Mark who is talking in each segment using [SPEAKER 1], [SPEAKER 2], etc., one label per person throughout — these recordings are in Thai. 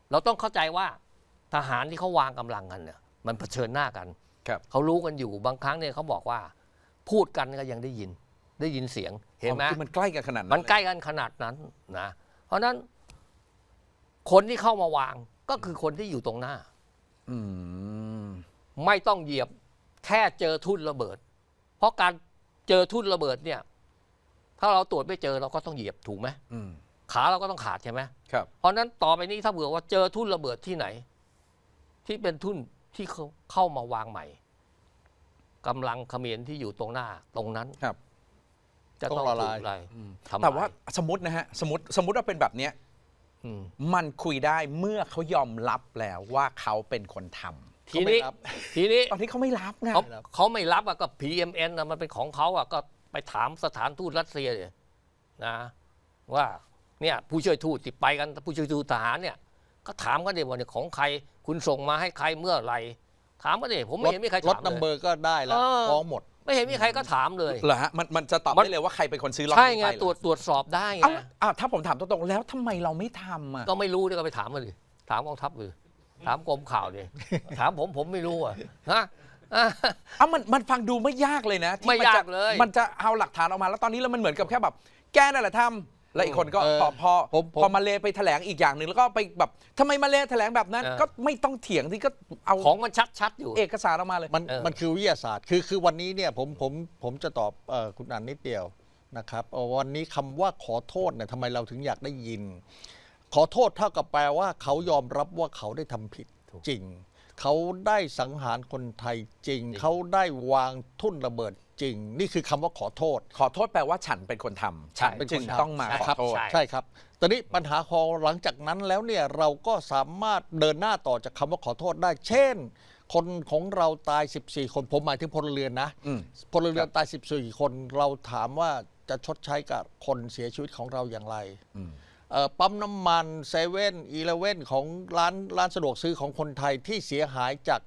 [SPEAKER 1] เราต้องเข้าใจว่าทหารที่เขาวางกำลังกันเนี่ยมันเผชิญหน้ากัน
[SPEAKER 2] ครับ
[SPEAKER 1] เขารู้กันอยู่บางครั้งเนี่ยเขาบอกว่าพูดกันก็ยังได้ยินเสียงเห็นไหม
[SPEAKER 2] คือมันใกล้กันขนาดนั้น
[SPEAKER 1] มันใกล้กันขนาดนั้นนะเพราะฉะนั้นคนที่เข้ามาวางก็คือคนที่อยู่ตรงหน้า
[SPEAKER 2] อืม
[SPEAKER 1] ไม่ต้องเหยียบแค่เจอทุ่นระเบิด เพราะการเจอทุ่นระเบิดเนี่ยถ้าเราตรวจไม่เจอเราก็ต้องเหยียบถูกไหม
[SPEAKER 2] อืม
[SPEAKER 1] ขาเราก็ต้องขาดใช่ไหม
[SPEAKER 2] ครับ
[SPEAKER 1] เพราะนั้นต่อไปนี้ถ้าเผื่อว่าเจอทุ่นระเบิดที่ไหน ที่เป็นทุ่นที่เขาเข้ามาวางใหม่กำลังเขมรที่อยู่ตรงหน้าตรงนั้น
[SPEAKER 2] ครับ
[SPEAKER 1] จะต้อง
[SPEAKER 3] ต้องละ
[SPEAKER 1] ถู
[SPEAKER 3] ลาย
[SPEAKER 1] กอะไรทำลย
[SPEAKER 2] แต่ว่าสมมตินะฮะสมมติว่าเป็นแบบเนี้ย
[SPEAKER 1] อืม
[SPEAKER 2] มันคุยได้เมื่อเขายอมรับแล้วว่าเขาเป็นคนทำ
[SPEAKER 1] ทีนี้
[SPEAKER 2] ตอนที่เขาไม่รับไง
[SPEAKER 1] เขาไม่รับอะก็ PMN นะมันเป็นของเขาอะก็ไปถามสถานทูตรัสเซียเลยนะว่าเนี่ยผู้ช่วยทูตที่ไปกันผู้ช่วยทูตทหารเนี่ยก็ถามกันดิว่าเนี่ยของใครคุณส่งมาให้ใครเมื่อไหร่ถามกันดิผมไม่เห็นมีใคร
[SPEAKER 3] รถ
[SPEAKER 1] ถาม
[SPEAKER 3] นัมเบ
[SPEAKER 1] เล
[SPEAKER 3] อย ร์ก็ได้แล้วฟ้องหมด
[SPEAKER 1] ไม่เห็นมีใครก็ถามเลย
[SPEAKER 2] เหรอฮะมันจะตอบ
[SPEAKER 1] มัน
[SPEAKER 2] ได้เลยว่าใครเป็นคนซื้อล็อต
[SPEAKER 1] ใช่
[SPEAKER 2] นี้
[SPEAKER 1] ไง
[SPEAKER 2] ไปเหรอ
[SPEAKER 1] ตรวจสอบได้ไง
[SPEAKER 2] ถ้าผมถามตรงๆแล้วทำไมเราไม่ทำอ่ะ
[SPEAKER 1] ก็ไม่รู้เนี่ยก็ไปถามมาดิถามกองทัพเลยถามกรมข่าวดิถามผมไม่รู้อะฮะ
[SPEAKER 2] มันฟังดูไม่ยากเลยนะที่
[SPEAKER 1] ไม่
[SPEAKER 2] นจะ
[SPEAKER 1] ยากเลย
[SPEAKER 2] มันจะเอาหลักฐานออกมาแล้วตอนนี้แล้วมันเหมือนกับแค่แบบแกนั่นแหละทำแล้วอีกคนก็
[SPEAKER 3] เออ
[SPEAKER 2] พอมาเลไปแถลงอีกอย่างหนึ่งแล้วก็ไปแบบทำไมมาเลแถลงแบบนั้น ก็ไม่ต้องเถียงที่ก็เอา
[SPEAKER 1] ของมันชัดๆอยู่
[SPEAKER 2] เอกสารออกมาเลย
[SPEAKER 3] มันคือวิทยาศาสตร์คือวันนี้เนี่ยผมจะตอบคุณอันนิดเดียวนะครับวันนี้คำว่าขอโทษเนี่ยทำไมเราถึงอยากได้ยิน ขอโทษเท่ากับแปลว่าเขายอมรับว่าเขาได้ทำผิดจริง เขาได้สังหารคนไทยจริง เขาได้วางทุ่นระเบิดจริง นี่คือคำว่าขอโทษ
[SPEAKER 2] ขอโทษแปลว่าฉันเป็นคนทำ
[SPEAKER 1] ใช่
[SPEAKER 2] จึงต้องมาขอโทษ
[SPEAKER 1] ใช่
[SPEAKER 3] ใช่ครับ ตอนนี้ปัญหาพอหลังจากนั้นแล้วเนี่ยเราก็สามารถเดินหน้าต่อจากคำว่าขอโทษได้ เช่น คนของเราตาย 14 คนผมหมายถึงพลเรือนนะ
[SPEAKER 2] อืม
[SPEAKER 3] พลเรือนตาย 14 คนเราถามว่าจะชดใช้กับคนเสียชีวิตของเราอย่างไรปั๊มน้ำมันเซเว่นอีเลเว่นของร้านสะดวกซื้อของคนไทยที่เสียหายจาก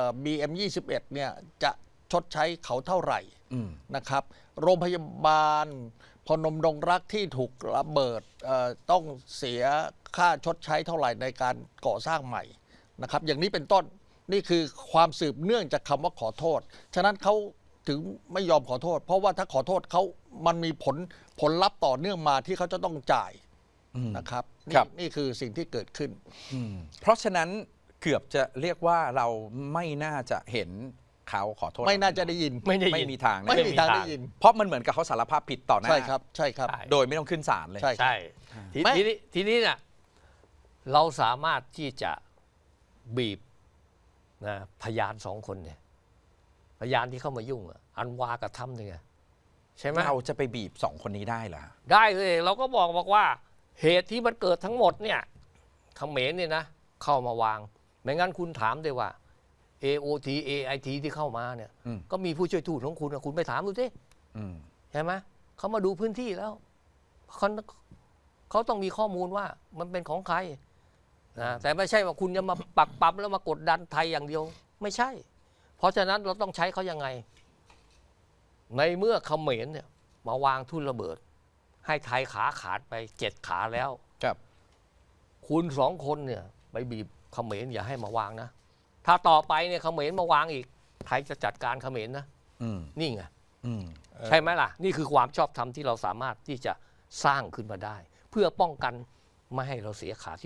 [SPEAKER 3] BM21 เนี่ยจะชดใช้เขาเท่าไหร่นะครับโรงพยาบาลพนมดงรักที่ถูกระเบิดต้องเสียค่าชดใช้เท่าไหร่ในการก่อสร้างใหม่นะครับอย่างนี้เป็นต้นนี่คือความสืบเนื่องจากคำว่าขอโทษฉะนั้นเขาถึงไม่ยอมขอโทษ เพราะว่าถ้าขอโทษเขามันมีผลลัพธ์ต่อเนื่องมาที่เขาจะต้องจ่ายนะครับนี่คือสิ่งที่เกิดขึ้น
[SPEAKER 2] เพราะฉะนั้นเกือบจะเรียกว่าเราไม่น่าจะเห็นเขาขอโทษ
[SPEAKER 3] ไม่น่าจะได้ยิน
[SPEAKER 2] ไม่มีทางนะ
[SPEAKER 3] ไม่มีทางได้ยิน
[SPEAKER 2] เพราะมันเหมือนกับเขาสารภาพผิดต่อหน้า
[SPEAKER 3] ใช่ครับใช่ครับ
[SPEAKER 1] ใช่
[SPEAKER 2] โดยไม่ต้องขึ้นศาลเลย
[SPEAKER 3] ใช่ครับ
[SPEAKER 1] ใช่ทีนี้เนี่ยเราสามารถที่จะบีบนะพยาน2 คนเนี่ยพยานที่เข้ามายุ่งอะอันวากับถ้ำเนี่ยใช่ไหม
[SPEAKER 2] เราจะไปบีบ2 คนนี้ได้เหรอ
[SPEAKER 1] ได้เลยเราก็บอกว่าเหตุที่มันเกิดทั้งหมดเนี่ยเขมรเนี่ยนะเข้ามาวางไม่งั้นคุณถามได้ว่า AOT AIT ที่เข้ามาเนี่ยก็มีผู้ช่วยทูตของคุณคุณไปถามดูสิใช่ไหมเขามาดูพื้นที่แล้วเขาต้องมีข้อมูลว่ามันเป็นของใครนะแต่ไม่ใช่ว่าคุณจะมาปักปั๊มแล้วมากดดันไทยอย่างเดียวไม่ใช่เพราะฉะนั้นเราต้องใช้เขายังไงในเมื่อเขมรเนี่ยมาวางทุ่นระเบิดให้ไทยขาขาดไป7 ขาแล้ว
[SPEAKER 2] ครับ
[SPEAKER 1] คุณ2 คนเนี่ยไปบีบเขมรอย่าให้มาวางนะถ้าต่อไปเนี่ยเขมรมาวางอีกไทยจะจัดการเขมรนะนี่ไงใช่ไหมล่ะนี่คือความชอบธรรมที่เราสามารถที่จะสร้างขึ้นมาได้ เพื่อป้องกันไม่ให้เราเสียขาที่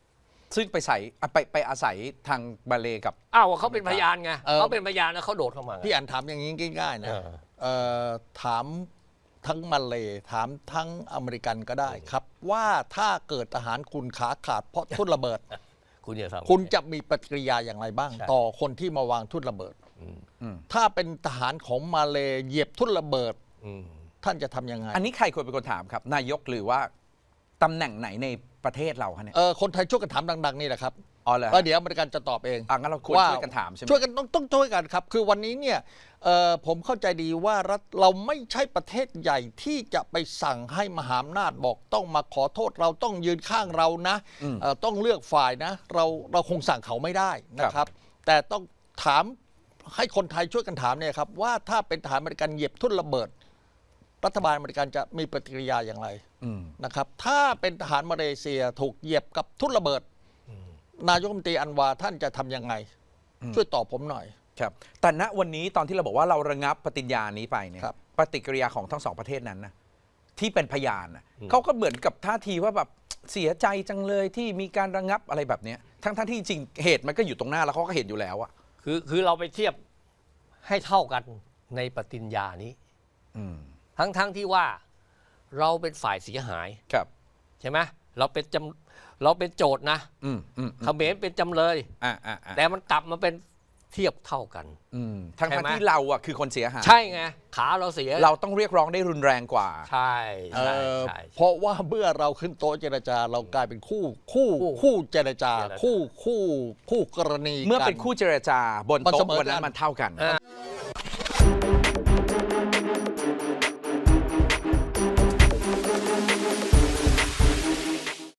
[SPEAKER 1] 8
[SPEAKER 2] ซึ่งไปอาศัยทางบาเลกับ
[SPEAKER 1] เขาเป็นพยานไงเขาเป็นพยานแล้วเขาโดดเข้ามา
[SPEAKER 3] พี่อันถามอย่างนี้ง่ายๆนะถามทั้งมาเลถามทั้งอเมริกันก็ได้ครับว่าถ้าเกิดทหารคุณขาขาดเพราะทุ่นระเบิด คุณจะมีปฏิกิริยาอย่างไรบ้างต่อคนที่มาวางทุ่นระเบิดถ้าเป็นทหารของมาเลเหยียบทุ่นระเบิดท่านจะทำยังไง
[SPEAKER 2] อันนี้ใครควรเป็นคนถามครับนายกหรือว่าตำแหน่งไหนในประเทศเราเนี่ย
[SPEAKER 3] คนไทยช่วยกันถามดังๆนี่แหละครับ
[SPEAKER 2] เหรอ
[SPEAKER 3] แล้วเดี๋ยวอเมริกันจะตอบเอง
[SPEAKER 2] งั้นเราควรช่วยกันถามใช่ไหม
[SPEAKER 3] ช่วยกันต้องช่วยกันครับคือวันนี้เนี่ยผมเข้าใจดีว่ารัฐเราไม่ใช่ประเทศใหญ่ที่จะไปสั่งให้มหาอำนาจบอกต้องมาขอโทษเราต้องยืนข้างเรานะต้องเลือกฝ่ายนะเราคงสั่งเขาไม่ได้นะครับแต่ต้องถามให้คนไทยช่วยกันถามเนี่ยครับว่าถ้าเป็นทหารอเมริกันเหยียบทุ่นระเบิดรัฐบาลอเมริกันจะมีปฏิกิริยาอย่างไรนะครับถ้าเป็นทหารมาเลเซียถูกเหยียบกับทุ่นระเบิดนายกรัฐมนตรีอันวาท่านจะทำยังไง ช่วยตอบผมหน่อย
[SPEAKER 2] ครับแต่ณวันนี้ตอนที่เราบอกว่าเราระงับปฏิญญานี้ไปเนี่ย
[SPEAKER 3] ครับ
[SPEAKER 2] ปฏิกิริยาของทั้งสองประเทศนั้นนะที่เป็นพยานน่ะเขาก็เหมือนกับท่าทีว่าแบบเสียใจจังเลยที่มีการระงับอะไรแบบเนี้ยทั้งที่จริงเหตุมันก็อยู่ตรงหน้าแล้วเขาก็เห็นอยู่แล้วอะ
[SPEAKER 1] คือเราไปเทียบให้เท่ากันในปฏิญญานี้
[SPEAKER 2] อืม
[SPEAKER 1] ทั้งที่ว่าเราเป็นฝ่ายเสียหาย
[SPEAKER 2] ครับ
[SPEAKER 1] ใช่ไหมเราเป็นโจทย์นะ
[SPEAKER 2] อืม
[SPEAKER 1] เขมรเป็นจำเลย แต่มันกลับมาเป็นเทียบเท่ากัน
[SPEAKER 2] ทั้ง
[SPEAKER 1] ใช่ไหม
[SPEAKER 2] ที่เราอะคือคนเสียหาย
[SPEAKER 1] ใช่ไงขาเราเสีย
[SPEAKER 2] เราต้องเรียกร้องได้รุนแรงกว่า
[SPEAKER 1] ใช่ใช่ใช่
[SPEAKER 3] เพราะว่าเมื่อเราขึ้นโต๊ะเจรจาเรากลายเป็นคู่เจรจา คู่กรณี
[SPEAKER 2] เมื่อ
[SPEAKER 3] กั
[SPEAKER 2] เป็นคู่เจรจาบน
[SPEAKER 3] มัน
[SPEAKER 2] โต๊ะ
[SPEAKER 3] เสมอ
[SPEAKER 2] วันนั้น
[SPEAKER 3] กัน
[SPEAKER 2] มันเท่ากัน
[SPEAKER 1] อ่า